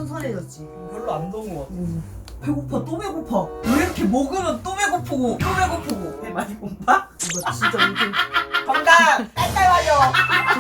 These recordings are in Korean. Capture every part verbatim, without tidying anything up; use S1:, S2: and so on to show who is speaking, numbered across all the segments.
S1: 선선해졌지.
S2: 별로 안 더운 것 같아.
S1: 음. 배고파 또 배고파. 왜 이렇게 먹으면 또 배고프고 또 배고프고.
S2: 배 많이 고파?
S1: 이거 진짜 요즘
S2: 정답! 딸딸 맞아!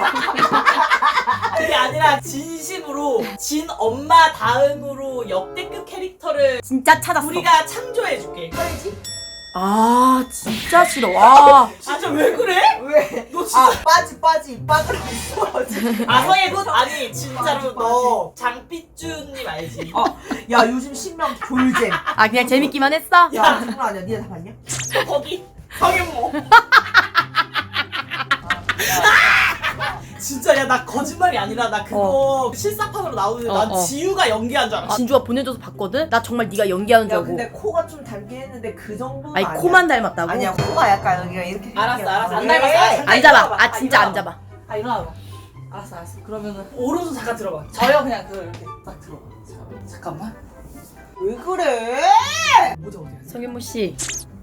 S2: 그게 아니라 진심으로 진 엄마 다음으로 역대급 캐릭터를
S3: 진짜 찾았어.
S2: 우리가 창조해줄게.
S3: 아 진짜 싫어. 와.
S2: 진짜 왜 그래?
S1: 왜?
S2: 너 진짜
S1: 아 빠지 빠지 빠지라고 있어.
S2: 아성의 꽃 아니 진짜로
S1: 맞아,
S2: 너 장삐쭈님 알지?
S1: 어, 야 요즘 신명 졸잼.
S3: 아 그냥 재밌기만 했어?
S1: 야 장난 아니야. 니네 다 봤냐?
S2: 거기 성현모. 진짜 야 나 거짓말이 아니라 나 그거 실사판으로 나오는데
S3: 어,
S2: 난
S3: 어.
S2: 지우가 연기한 줄 알았어.
S3: 진주가 보내줘서 봤거든? 나 정말 네가 연기하는 줄
S1: 야
S3: 알고.
S1: 근데 코가 좀 닮긴 했는데 그 정도는
S3: 아니
S1: 아니야.
S3: 코만 닮았다고?
S1: 아니야 코가 약간 여기가 이렇게.
S2: 알았어,
S1: 이렇게
S2: 알았어. 안
S1: 왜?
S2: 닮았어. 아, 잠깐
S3: 안 잡아.
S2: 일어나봐.
S3: 아 진짜
S2: 아,
S3: 안 잡아.
S2: 아 일어나봐. 알았어 알았어. 그러면은 오른손 잠깐 들어봐. 저요 그냥 그 이렇게 딱 들어봐. 자, 잠깐만.
S1: 왜 그래?
S2: 모자 어디야?
S3: 성현모 씨.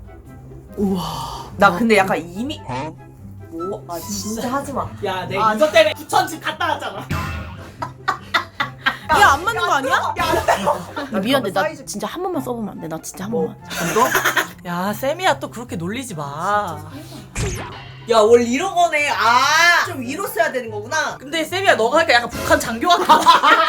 S1: 나 근데 약간 이미 뭐? 아
S2: 진짜.
S1: 진짜 하지 마.
S2: 야 내가
S1: 아,
S2: 이것 때문에 부천집 갔다 왔잖아.
S3: 이게 안 맞는 거 아니야?
S1: 야,
S3: 미안해. 나
S1: 사이즈-
S3: 진짜 한 번만 써보면 안 돼? 나 진짜 한
S1: 뭐?
S3: 번만.
S1: 이거?
S2: 야 쌤이야 또 그렇게 놀리지 마.
S1: 야 원래 이런 거네. 아, 좀 위로 써야 되는 거구나.
S2: 근데 쌤이야 너가 하니까 약간 북한 장교 같아.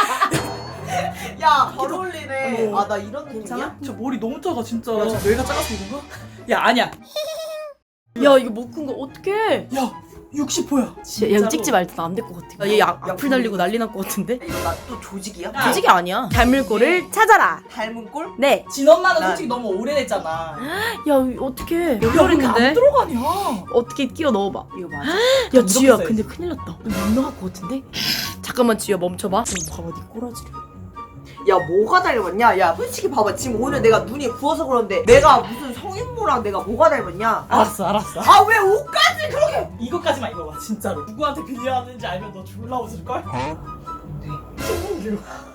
S1: 야, 잘 어울리네.
S2: 어.
S1: 아, 나 이런 느낌이야?
S2: 괜찮아? 저 머리 너무 작아 진짜.
S1: 야, 저
S2: 뇌가 작아서 그런가? 야 아니야.
S3: 야 이거 못 큰 거 어떡해?
S2: 야 육십 호야.
S3: 진짜 야 이거 찍지 말자. 나 안 될 것 같아. 얘 악-
S1: 야,
S3: 악플 달리고 난리 날 것 같은데?
S1: 이거 나 또 조직이야?
S2: 야.
S3: 조직이 아니야. 닮을 거를 찾아라.
S1: 닮은 꼴?
S3: 네.
S2: 진엄마는
S1: 나-
S2: 솔직히 너무 오래됐잖아.
S3: 야 어떡해.
S2: 야, 왜 이렇게 안
S3: 열혈인데?
S2: 들어가냐?
S3: 어떻게 끼워 넣어봐.
S1: 이거 맞아?
S3: 야 지우야
S2: 써야지.
S3: 근데 큰일 났다. 못 나갈 것 같은데? 잠깐만 지우야 멈춰봐. 어, 봐봐 네 꼬라지를.
S1: 야, 뭐가 닮았냐? 야, 솔직히 봐봐. 지금 오늘 내가 눈이 부어서 그런데 내가 무슨 성인모랑 내가 뭐가 닮았냐? 아,
S2: 알았어 알았어.
S1: 아, 왜 옷까지 그렇게?
S2: 이것까지만 입어봐 진짜로. 누구한테 빌려왔는지 알면 너 졸라 웃을걸? 신문규.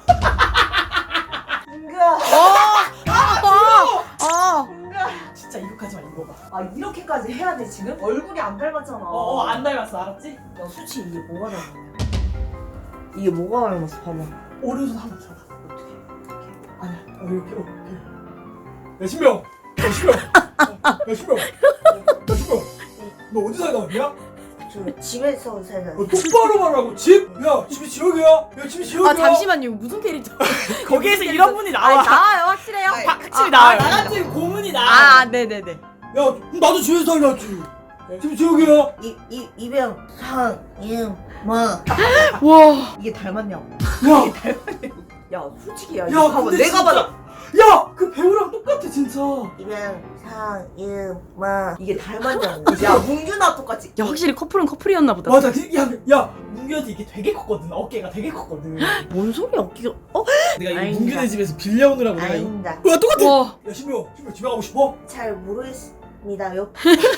S1: 은가,
S3: 아! 아!
S1: 은가.
S2: 진짜 이것까지만 입어봐.
S1: 아, 이렇게까지 해야 돼, 지금? 얼굴이 안 닮았잖아.
S2: 어어 안 닮았어 알았지?
S1: 야, 솔직히 이게 뭐가 닮았냐? 이게 뭐가 닮았어, 봐봐.
S2: 오른손 한번 잡아.
S1: 어떻게?
S2: 아니야 어, 이렇게 어, 이렇게. 야 신명. 야 신명. 어, 야 신명. 어, 야 신명. 너 어디 살다 왔냐?
S1: 저 집에서 살다.
S2: 어, 똑바로 말하고 집? 야 집이 지역이야? 야 집이 지역이야?
S3: 아 잠시만요. 이거 무슨 캐릭터?
S2: 거기에서 이런 분이
S3: 아니
S2: 나와.
S3: 나와요 확실해요.
S1: 아니,
S2: 확실히
S3: 아,
S2: 나와요.
S3: 아,
S2: 나 같은 고문이 나와.
S3: 아 네네네.
S2: 야 나도 지역에서 살았지. 집이 지역이야?
S1: 이, 이, 이병, 상, 임, 마.
S3: 와.
S1: 이게 닮았냐고.
S2: 야.
S1: 야, 솔직히 야,
S2: 야,
S1: 이거 봐봐.
S2: 근데
S1: 내가
S2: 진짜-
S1: 봐도
S2: 야! 그 배우랑 똑같아 진짜.
S1: 이병, 상, 임, 마. 이게 닮았냐고. 야, 문규나 똑같이.
S3: 야 확실히 커플은 커플이었나 보다.
S2: 맞아. 그- 야, 야, 문규한테 이게 되게 컸거든. 어깨가 되게 컸거든.
S3: 뭔 소리야 어깨가? 어?
S2: 내가 이
S1: 아닙니다.
S2: 문규네 집에서 빌려오느라고 내가 이.
S1: 아닙니다.
S2: 야, 똑같아.
S3: 와.
S2: 야, 신명, 신명 집에 가고 싶어?
S1: 잘 모르겠습니다요.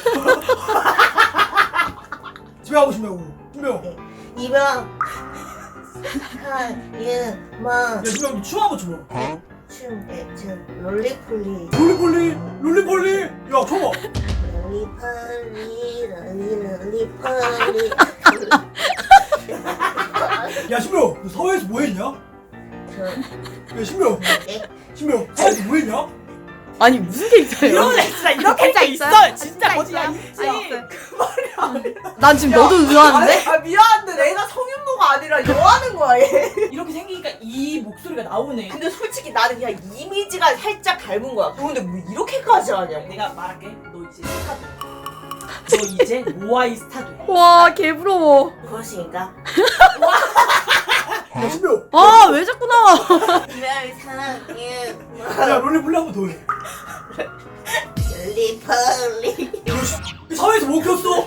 S2: 집에 가고 싶냐고. 신명.
S1: 이병, 상, 임, 마.
S2: 야, 신명 춤 한번 춰봐.
S1: 춤, 예, 춤, 롤리폴리.
S2: 롤리폴리, 롤리폴리. 야, 줘봐.
S1: 롤리폴리, 롤리, 롤리폴리.
S2: 야, 신명, 너 사회에서 뭐 했냐?
S1: 저,
S2: 야, 신명.
S1: 예?
S2: 신명, 사회에서 뭐 했냐?
S3: 아니 무슨 캐릭터예요?
S2: 이런 애 진짜 이런 캐릭터 있어.
S3: 있어요?
S2: 진짜
S3: 진짜
S2: 거짓말
S3: 있어요?
S2: 있지.
S3: 아니, 있어요. 난 지금 너도 의아한데?
S1: 아, 미안한데 내가 성윤모가 아니라 여하는 거야, 얘.
S2: 이렇게 생기니까 이 목소리가 나오네.
S1: 근데 솔직히 나는 그냥 이미지가 살짝 닮은 거야. 근데 뭐 이렇게까지 하냐고.
S2: 내가 말할게. 너 이제 스타 돼. 너 이제 모아이 스타 돼.
S3: 와 개부러워.
S1: 무엇인가?
S2: 야, 신명.
S3: 아 왜 자꾸 나와?
S1: 이별 사랑해.
S2: 야, 롤리폴리 한번 더 해.
S1: 롤리폴리.
S2: 너 씨, 이 사회에서 뭐 켰어?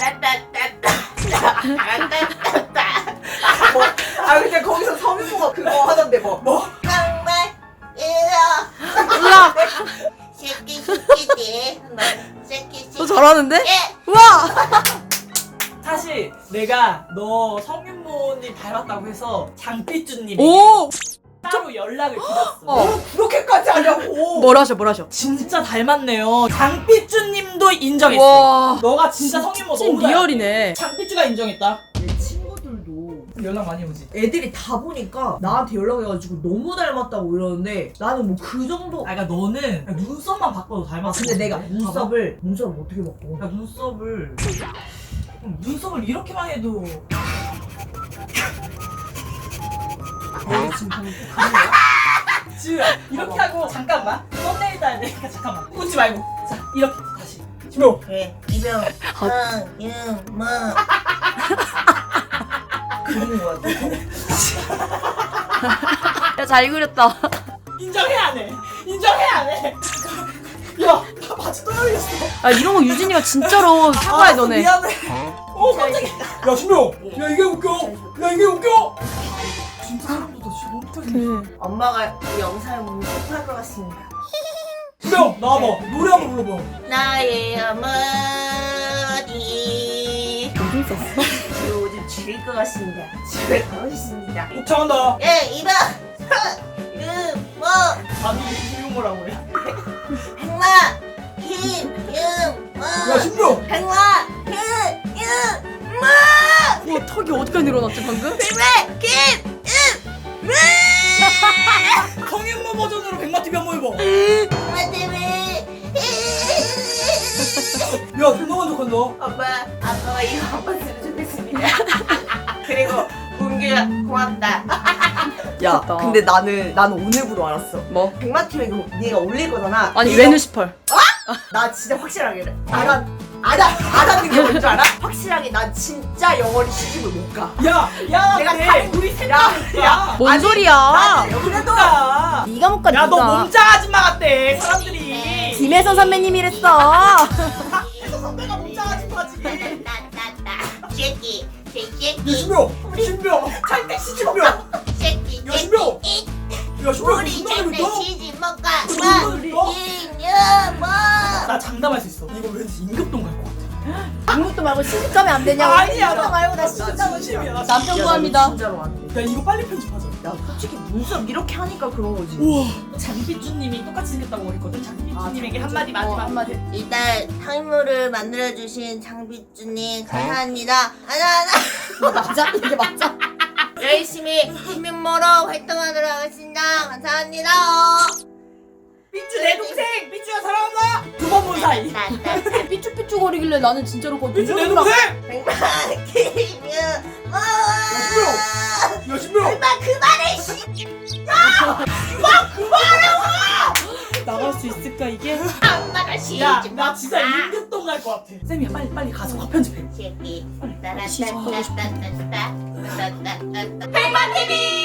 S1: 뭐, 아 근데 거기서 성윤모가 그거 하던데 뭐.
S2: 뭐?
S1: 정말 이라.
S3: 우와.
S1: 새끼 새끼지. 새끼 새끼.
S3: 너 잘하는데?
S1: 예.
S3: 우와.
S2: 사실 내가 너 성윤모님 닮았다고 해서 장삐쭈님이
S3: 오.
S2: 따로 연락을 드렸어.
S3: 어.
S1: 뭐 그렇게까지 하냐고.
S3: 뭘 하셔 뭘 하셔?
S2: 진짜 닮았네요. 장삐쭈님도 인정했어.
S3: 와.
S2: 너가 진짜 성윤모
S3: 찐
S2: 너무 닮았어.
S3: 리얼이네.
S2: 장삐쭈가 인정했다.
S1: 내 친구들도
S2: 연락 많이 오지.
S1: 애들이 다 보니까 나한테 연락해가지고 너무 닮았다고 이러는데 나는 뭐 그 정도.
S4: 아, 그러니까 너는 그냥 눈썹만 바꿔도 닮았어.
S1: 근데 내가 눈썹을 눈썹을 어떻게 바꿔?
S4: 야, 눈썹을 음, 눈썹을 이렇게만 해도
S1: 내가 지금 방금 또 가는 거야?
S4: 지우야 이렇게 하고 잠깐만 썸네일 따야 되니까 잠깐만 웃지 말고 자 이렇게 다시
S2: 신명.
S1: 그래 이병 황윤모 그린 거야.
S3: 야 잘 그렸다.
S4: 인정해야 해 인정해야 해 야, 나 바지 또 열렸어.
S3: 야 이런 거 유진이가 진짜로 사과해 너네.
S1: 미안해.
S4: 어, 깜짝이야.
S2: 야 신명. 야 이게 웃겨. 야 이게 웃겨.
S4: 진짜 사람도 다 지금 못하겠네.
S3: 그
S1: 엄마가 이 영상을 보면 슬퍼할 것 같습니다.
S2: 신명 나와봐. 노래 한번 불러봐.
S1: 나의 어머니
S3: 요즘 썼어?
S1: 요즘 죽일 것 같습니다. 집에 가고 싶습니다.
S2: 독창한다.
S1: 예 이병 황윤모
S4: 아니 유머라고 해.
S1: 행마 김윤모
S2: 야 신명.
S1: 행마 김윤모
S3: 와 턱이 어디까지 늘어났지 방금?
S1: 행마 김윤모
S4: 성윤모 버전으로 백마티비 한번 해봐.
S1: 엄마 때문에
S2: 야 존나 만족한다.
S1: 엄마 아빠가 이거 한번 들어주겠습니다. 그리고 문규야 고맙다. 야
S3: 좋다.
S1: 근데 나는 나는 오늘부로 알았어.
S3: 뭐?
S1: 백마티에 이거 네가 올릴 거잖아.
S3: 아니
S1: 이거-
S3: 레누시펄.
S1: 나 진짜 확실하게 그래. 알아 알아 알았는 게 뭔지 알아? 확실하게 난 진짜 영원히 시집을 못 가.
S4: 야, 야,
S1: 내가
S4: 근데
S1: 다른-
S4: 우리
S1: 야,
S4: 생각이야.
S1: 야.
S3: 뭔
S1: 아니,
S3: 소리야?
S1: 나는 그래도
S4: 야,
S3: 네가 못 가.
S4: 야, 너
S3: 네가.
S4: 몸짱 아줌마 같대. 사람들이.
S3: 김혜선 선배님이랬어.
S4: 그래서 선배가 몸짱 아줌마지.
S1: 새끼
S2: 야
S1: 새끼
S2: 신명. 신명.
S4: 잘때 시집
S2: 신명. 야
S1: 새끼
S2: 신명. 야 신명.
S1: 우리
S2: 존나
S1: 절대
S2: 재밌다.
S1: 시집 못 가.
S2: 존나
S1: 엄마
S2: 재밌다.
S1: 김윤모
S4: 나 장담할 수 있어. 이거 왠지 임급동 갈 것 같아.
S3: 아무것도 말고 시집 가면 안 되냐고.
S4: 아니야,
S3: 시집
S4: 나-
S3: 말고 나
S4: 나
S3: 시집 가고
S4: 진심이야,
S3: 싶어.
S4: 나
S3: 남편
S1: 야,
S3: 구합니다.
S1: 나 진짜로 안 돼.
S4: 야, 이거 빨리 편집하자.
S1: 야 솔직히 눈썹 이렇게 하니까 그런 거지.
S4: 우와. 장비쭈님이 똑같이 생겼다고 그랬거든. 장비쭈님에게
S3: 아,
S4: 한마디
S3: 장비쭈.
S4: 마지막
S3: 어, 한마디.
S1: 일단 상무를 만들어주신 장비주님 감사합니다. 하나하나
S3: 맞아? 이게 맞아?
S1: 열심히 김윤모로 활동하도록 하겠습니다. 감사합니다.
S4: 삐쭈 내 동생. 삐쭈야 사랑한다. 두 번 본 사이.
S3: 삐쭉삐쭉 거리길래 나는 진짜로 그거
S4: 삐쭈 내
S3: 눈썹이랑-
S4: 동생.
S1: 백만 김윤모.
S2: 야 신명.
S1: 엄마 그만해 씨.
S3: 나갈 수 있을까 이게?
S1: 엄마가 시집
S4: 야,
S1: 못
S4: 나 진짜
S1: 가.
S4: 임급동 갈 것 같아. 쌤이야, 빨리 빨리 가서 화 편집해.
S1: 새끼.
S3: 시집 가고 싶어.
S1: 따라따따따따따따따따따. 백만 티비.